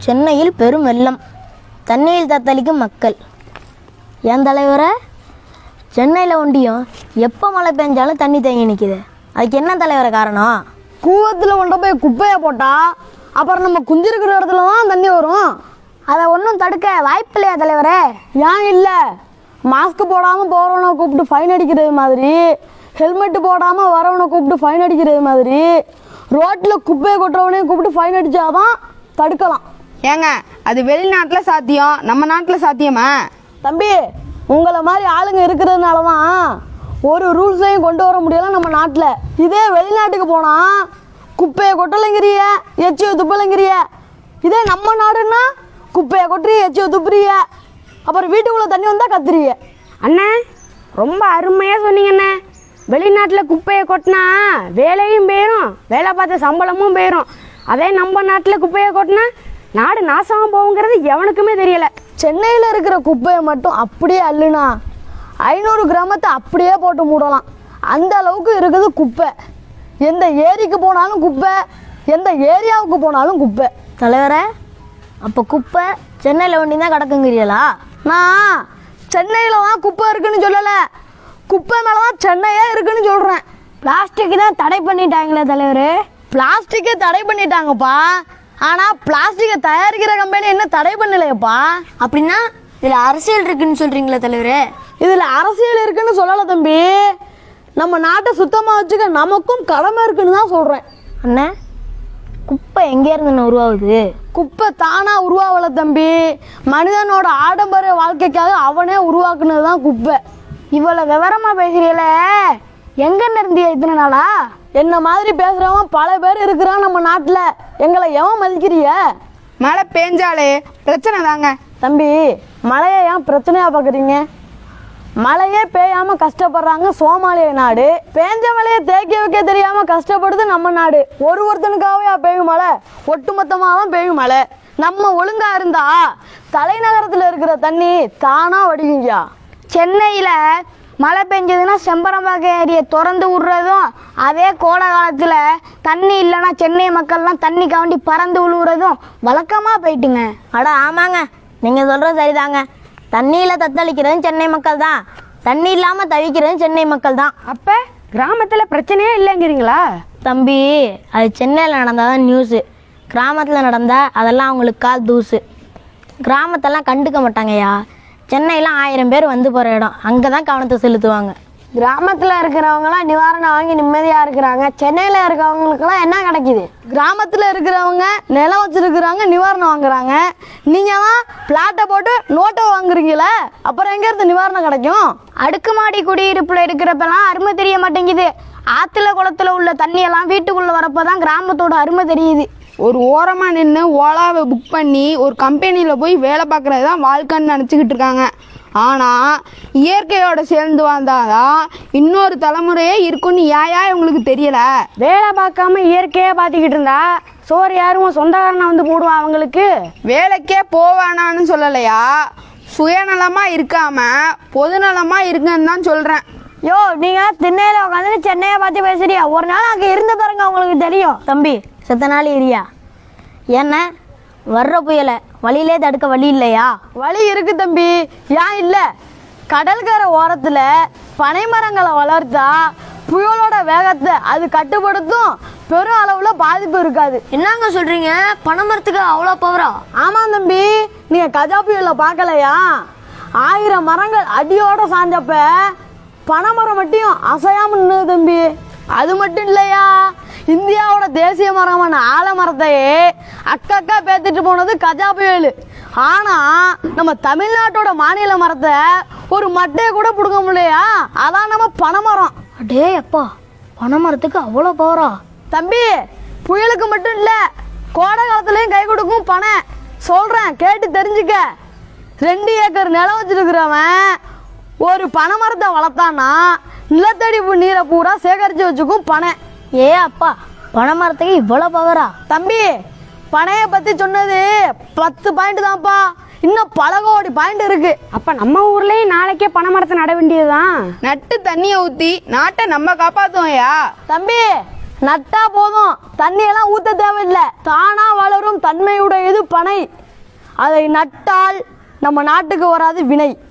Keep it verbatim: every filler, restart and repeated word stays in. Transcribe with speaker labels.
Speaker 1: சென்னையில் பெரும் வெள்ளம், தண்ணியில் தத்தளிக்கும் மக்கள். என் தலைவரை, சென்னையில் ஒண்டியும் எப்போ மழை பெஞ்சாலும் தண்ணி தேங்கி நிற்கிது. அதுக்கு என்ன தலைவரை காரணம்?
Speaker 2: கூவத்தில் கொண்டு போய் குப்பையை போட்டால் அப்புறம் நம்ம குஞ்சிருக்கிற இடத்துல தான் தண்ணி வரும்.
Speaker 1: அதை ஒன்றும் தடுக்க வாய்ப்பு இல்லையா தலைவரே?
Speaker 2: ஏன் இல்லை? மாஸ்க் போடாமல் போகிறவனை கூப்பிட்டு ஃபைன் அடிக்கிறது மாதிரி, ஹெல்மெட்டு போடாமல் வரவனை கூப்பிட்டு ஃபைன் அடிக்கிறது மாதிரி, ரோட்டில் குப்பையை கொட்டுறவனையும் கூப்பிட்டு ஃபைன் அடித்தாதான் தடுக்கலாம்.
Speaker 3: ஏங்க, அது வெளிநாட்டில் சாத்தியம், நம்ம நாட்டில் சாத்தியமா?
Speaker 2: தம்பி, உங்களை மாதிரி ஆளுங்க இருக்கிறதுனால தான் ஒரு ரூல்ஸையும் கொண்டு வர முடியல நம்ம நாட்டில். இதே வெளிநாட்டுக்கு போனால் குப்பையை கொட்டலைங்கிறிய, எச்சியை துப்பலைங்கிறிய. இதே நம்ம நாடுன்னா குப்பையை கொட்டுறிய, எச்சியை துப்புறிய, அப்புறம் வீட்டுக்குள்ளே தண்ணி வந்தால் கத்துறிய.
Speaker 4: அண்ணே, ரொம்ப அருமையாக சொன்னீங்கண்ணே. வெளிநாட்டில் குப்பையை கொட்டினா வேலையும் போயிடும், வேலை பார்த்த சம்பளமும் போயிடும். அதே நம்ம நாட்டில் குப்பையை கொட்டினா நாடு நாசமாக போகுங்கிறது எவனுக்குமே தெரியலை.
Speaker 2: சென்னையில் இருக்கிற குப்பையை மட்டும் அப்படியே அள்ளுனா ஐநூறு கிராமத்தை அப்படியே போட்டு மூடலாம். அந்த அளவுக்கு இருக்குது குப்பை. எந்த ஏரிக்கு போனாலும் குப்பை, எந்த ஏரியாவுக்கு போனாலும் குப்பை.
Speaker 1: தலைவரை, அப்போ குப்பை சென்னையில் ஒண்டி தான் கிடக்குங்கிறீங்களா?
Speaker 2: நான் சென்னையில் தான் குப்பை இருக்குன்னு சொல்லலை, குப்பை மேலே தான் சென்னையே இருக்குன்னு சொல்கிறேன்.
Speaker 1: பிளாஸ்டிக் தான் தடை பண்ணிட்டாங்களே தலைவர்.
Speaker 2: பிளாஸ்டிக்கை தடை பண்ணிட்டாங்கப்பா, ஆனால் பிளாஸ்டிக்கை தயாரிக்கிற கம்பெனி என்ன தடை பண்ணலையப்பா.
Speaker 1: அப்படின்னா இதில் அரசியல் இருக்குன்னு சொல்கிறீங்களா தலைவர்?
Speaker 2: இதில் அரசியல் இருக்குன்னு சொல்லலை தம்பி, நம்ம நாட்டை சுத்தமாக வச்சுக்க நமக்கும் கடமை இருக்குன்னு தான் சொல்கிறேன்.
Speaker 1: அண்ணா, குப்பை எங்கேருந்து உருவாகுது?
Speaker 2: குப்பை தானாக உருவாகலை தம்பி, மனிதனோட ஆடம்பர வாழ்க்கைக்காக அவனே உருவாக்குனது தான் குப்பை.
Speaker 4: இவ்வளோ விவரமாக பேசுகிறீங்கள, எங்கன்னு இருந்தியா இத்தனை நாளா?
Speaker 2: என்ன மாதிரி பேசுகிறவன் பல பேர் இருக்கிறான் நம்ம நாட்டில். எங்களை எவன் மதிக்கிறிய?
Speaker 3: மழை பெஞ்சாலே பிரச்சனை தாங்க.
Speaker 2: தம்பி, மழையை ஏன் பிரச்சனையாக பார்க்குறீங்க? மழையே பெய்யாமல் கஷ்டப்படுறாங்க சோமாலிய நாடு, பேஞ்ச மழையை தேக்கி வைக்க தெரியாமல் கஷ்டப்படுது நம்ம நாடு. ஒரு ஒருத்தனுக்காகவே பெய்யும் மழை, ஒட்டுமொத்தமாக தான் பெய்யும் மழை. நம்ம ஒழுங்காக இருந்தா தலைநகரத்தில் இருக்கிற தண்ணி தானாக வடிக்குங்கயா.
Speaker 4: சென்னையில் மழை பெஞ்சதுன்னா செம்பரம்பாக்கம் ஏரியை திறந்து விடுறதும், அதே கோடை காலத்தில் தண்ணி இல்லைன்னா சென்னை மக்கள்லாம் தண்ணி காண்டி பறந்து விழுவுறதும் வழக்கமாக போயிட்டுங்க.
Speaker 1: அட ஆமாங்க, நீங்கள் சொல்கிறது சரிதாங்க. தண்ணியில் தத்தளிக்கிறதும் சென்னை மக்கள் தான், தண்ணி இல்லாமல் தவிக்கிறதும் சென்னை மக்கள் தான்.
Speaker 4: அப்போ கிராமத்தில் பிரச்சனையே இல்லைங்கிறீங்களா?
Speaker 1: தம்பி, அது சென்னையில் நடந்தால் தான் நியூஸு, கிராமத்தில் நடந்தால் அதெல்லாம் அவங்களுக்கு கால் தூசு. கிராமத்தெல்லாம் கண்டுக்க மாட்டாங்கய்யா. சென்னையில் ஆயிரம் பேர் வந்து போகிற இடம், அங்கே தான் கவனத்தை செலுத்துவாங்க.
Speaker 4: கிராமத்தில் இருக்கிறவங்களாம் நிவாரணம் வாங்கி நிம்மதியாக இருக்கிறாங்க, சென்னையில் இருக்கிறவங்களுக்குலாம் என்ன கிடைக்கிது?
Speaker 2: கிராமத்தில் இருக்கிறவங்க நிலம் வச்சுருக்குறாங்க, நிவாரணம் வாங்குறாங்க. நீங்கள் தான் பிளாட்டை போட்டு நோட்டை வாங்குறீங்களே, அப்புறம் எங்கேருந்து நிவாரணம் கிடைக்கும்?
Speaker 4: அடுக்குமாடி குடியிருப்பில் இருக்கிறப்பெல்லாம் அருமை தெரிய மாட்டேங்குது. ஆற்றுல குளத்தில் உள்ள தண்ணியெல்லாம் வீட்டுக்குள்ளே வரப்போ தான் கிராமத்தோட அருமை தெரியுது.
Speaker 3: ஒரு ஓரமாக நின்று ஓலாவை புக் பண்ணி ஒரு கம்பெனியில் போய் வேலை பார்க்குறது தான் வாழ்க்கைன்னு நினச்சிக்கிட்டு இருக்காங்க. ஆனால் இயற்கையோட சேர்ந்து வந்தாதான் இன்னொரு தலைமுறையே இருக்குன்னு ஏயா இவங்களுக்கு தெரியலை?
Speaker 4: வேலை பார்க்காம இயற்கையாக பார்த்துக்கிட்டு இருந்தா சோறு யாரும் சொந்தக்காரனை வந்து போடுவான் அவங்களுக்கு.
Speaker 3: வேலைக்கே போவானான்னு சொல்லலையா, சுயநலமாக இருக்காம பொதுநலமாக இருக்குன்னு தான் சொல்கிறேன்.
Speaker 4: யோ, நீங்கள் திண்ணையில் உட்காந்து சென்னையை பார்த்து பேசுறியா? ஒரு நாள் அங்கே இருந்து பாருங்க, உங்களுக்கு தெரியும்.
Speaker 1: தம்பி, செத்த நாள் ஏரியா என்ன வர்ற புயலை வழியிலே தடுக்க வழி இல்லையா?
Speaker 2: வழி இருக்கு தம்பி, ஏன் இல்லை? கடற்கரை ஓரத்தில் பனைமரங்களை வளர்த்தா புயலோட வேகத்தை அது கட்டுப்படுத்தும், பெரும் அளவில் பாதிப்பு இருக்காது.
Speaker 1: என்னங்க சொல்கிறீங்க? பனைமரத்துக்கு அவ்வளோ பவரா?
Speaker 2: ஆமாம் தம்பி, நீங்கள் கஜா புயலை பார்க்கலையா? ஆயிரம் மரங்கள் அடியோட சாஞ்சப்ப பனைமரம் மட்டும் அசையாமல் நின்று தம்பி. அது மட்டும் இல்லையா, இந்தியாவோட தேசிய மரமான ஆலமரத்தையே அக்கக்கா பேத்துட்டு போனது கஜா புயல். ஆனால் நம்ம தமிழ்நாட்டோட மாநில மரத்தை ஒரு மட்டையை கூட பிடுங்க முடியலையா, அதான் நம்ம பனைமரம்.
Speaker 1: அடே அப்பா, பனைமரத்துக்கு அவ்வளோ பவரா?
Speaker 2: தம்பி, புயலுக்கு மட்டும் இல்லை, கோடை காலத்துலேயும் கை கொடுக்கும் பனை. சொல்கிறேன், கேட்டு தெரிஞ்சுக்க. ரெண்டு ஏக்கர் நிலம் வச்சுருக்கிறவன் ஒரு பனைமரத்தை வளர்த்தான்னா நிலத்தடி நீரை பூரா சேகரித்து வச்சுக்கும் பனை.
Speaker 1: ஏ அப்பா, பனைமரத்துக்கு இவ்வளோ பவரா?
Speaker 2: தம்பி, பனையை பற்றி சொன்னது பத்து பாயிண்ட் தான்ப்பா, இன்னும் பல கோடி பாயிண்ட் இருக்கு.
Speaker 4: அப்போ நம்ம ஊர்லேயும் நாளைக்கே பனைமரத்தை நட வேண்டியதுதான்.
Speaker 3: நட்டு தண்ணியை ஊற்றி நாட்டை நம்ம காப்பாற்றுவோம்யா.
Speaker 2: தம்பி, நட்டா போதும், தண்ணியெல்லாம் ஊற்ற தேவையில்லை. தானா வளரும் தன்மையுடையது பனை. அதை நட்டால் நம்ம நாட்டுக்கு வராது வினை.